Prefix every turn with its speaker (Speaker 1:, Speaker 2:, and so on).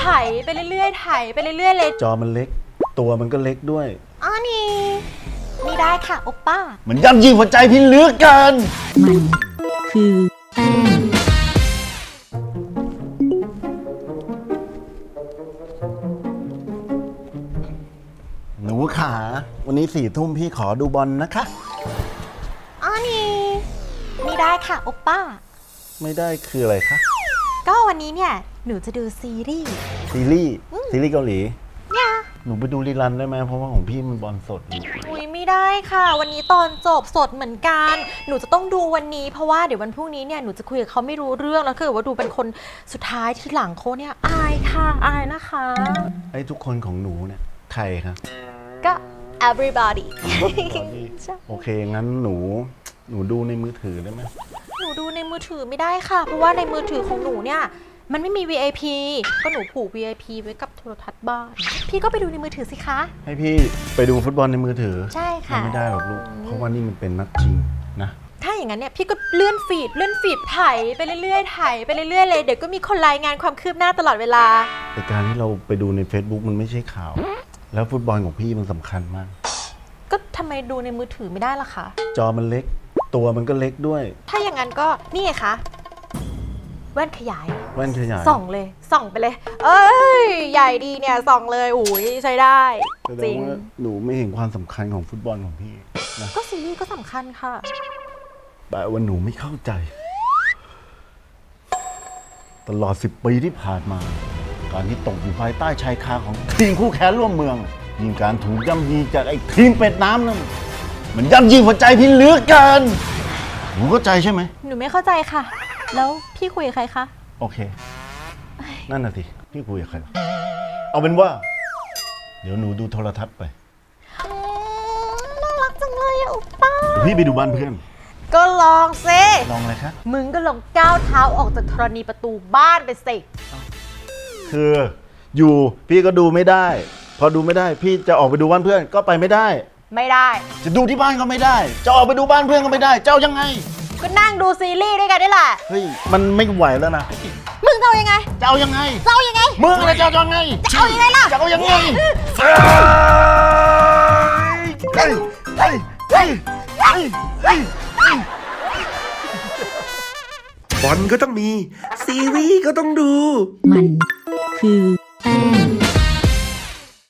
Speaker 1: ไปเรื่อยๆไถไปเรื่อยๆเลย
Speaker 2: จอมันเล็กตัวมันก็เล็กด้วย
Speaker 1: อ๋อนี่ได้ค่ะโอป้า
Speaker 2: มันย่ำยีหัวใจพี่เหลือเกิน
Speaker 3: มันคือแป้ง
Speaker 2: หนูขาวันนี้4 ทุ่มพี่ขอดูบอลนะคะ
Speaker 1: อ๋อนี่ได้ค่ะโอป้า
Speaker 2: ไม่ได้คืออะไรคะ
Speaker 1: ก็วันนี้เนี่ยหนูจะดูซีรีส์
Speaker 2: เกาหลี
Speaker 1: เนี่ย
Speaker 2: หนูไปดูรีรันได้ไหมเพราะว่าของพี่มันบอลสด
Speaker 1: อุ้ยไม่ได้ค่ะวันนี้ตอนจบสดเหมือนกันหนูจะต้องดูวันนี้เพราะว่าเดี๋ยววันพรุ่งนี้เนี่ยหนูจะคุยกับเขาไม่รู้เรื่องแล้วคือว่าดูเป็นคนสุดท้ายที่หลังเขาเนี่ยอายค่ะอายนะคะ
Speaker 2: ไอ้ทุกคนของหนูเนี่ยใครคะ
Speaker 1: ก็ everybody
Speaker 2: โอเคงั้นหนูดูในมือถือได้ไหม
Speaker 1: หนูดูในมือถือไม่ได้ค่ะเพราะว่าในมือถือของหนูเนี่ยมันไม่มี VIP ก็หนูผูก VIP ไว้กับโทรทัศน์บ้านพี่ก็ไปดูในมือถือสิคะ
Speaker 2: ให้พี่ไปดูฟุตบอลในมือถือ
Speaker 1: ใช่ค่ะ
Speaker 2: ไม่ได้หรอกลูกเพราะว่านี่มันเป็นนัดชิงนะ
Speaker 1: ถ้าอย่างนั้นเนี่ยพี่ก็เลื่อนฟีดไถไปเรื่อยๆไถไปเรื่อยๆเลยเดี๋ยวก็มีคนรายงานความคืบหน้าตลอดเวลา
Speaker 2: แต่การที่เราไปดูใน Facebook มันไม่ใช่ข่าวแล้วฟุตบอลของพี่มันสำคัญมาก
Speaker 1: ก็ทำไมดูในมือถือไม่ได้ล่ะคะ
Speaker 2: จอมันเล็กตัวมันก็เล็กด้วย
Speaker 1: ถ้าอย่างนั้นก็นี่ไงคะแว่นขยายส่องเลยส่องไปเลยเอ้ยใหญ่ดีเนี่ยส่องเลยอุ้ยใช้ได้
Speaker 2: จริงหนูไม่เห็นความสำคัญของฟุตบอลของพี่นะ
Speaker 1: ก็ซีรีส์ก็สำคัญค่ะ
Speaker 2: แต่ว่าหนูไม่เข้าใจตลอด10 ปีที่ผ่านมาการที่ตกอยู่ภายใต้ชายคาของทีมคู่แข่งร่วมเมืองยิ่งการถูกย่ำยีจากไอ้ทีมเป็ดน้ำนั่นมันย่ำยีหัวใจพี่เหลือเกินหนูเข้าใจใช่ไหม
Speaker 1: หนูไม่เข้าใจค่ะแล้วพี่คุยกับใครคะ
Speaker 2: โอเคนั่นน่ะสิพี่คุยกับใครเอาเป็นว่าเดี๋ยวหนูดูโทรทัศน์ไป
Speaker 1: น่ารักจังเลยอะอุป้า
Speaker 2: พี่ไปดูบ้านเพื่อน
Speaker 1: ก็ลองสิ
Speaker 2: ลองอะไรคะ
Speaker 1: มึงก็ลองก้าวเท้าออกจากธรณีประตูบ้านไปสิ
Speaker 2: คืออยู่พี่ก็ดูไม่ได้พอดูไม่ได้พี่จะออกไปดูบ้านเพื่อนก็ไปไม่ได้จะดูที่บ้านก็ไม่ได้จะออกไปดูบ้านเพื่อนก็ไม่ได้เจ้ายังไง
Speaker 1: ก็นั่งดูซีรีส์ด้วยกันนี่แหละ
Speaker 2: เฮ้ยมันไม่ไหวแล้วนะ
Speaker 1: มึงจะเอายังไง
Speaker 2: มึงอะไรจะยังไง
Speaker 1: ล่ะ
Speaker 2: จะเอายังไง
Speaker 4: บอลก็ต้องมีซีรีส์ก็ต้องดู
Speaker 3: มันคือแป้ง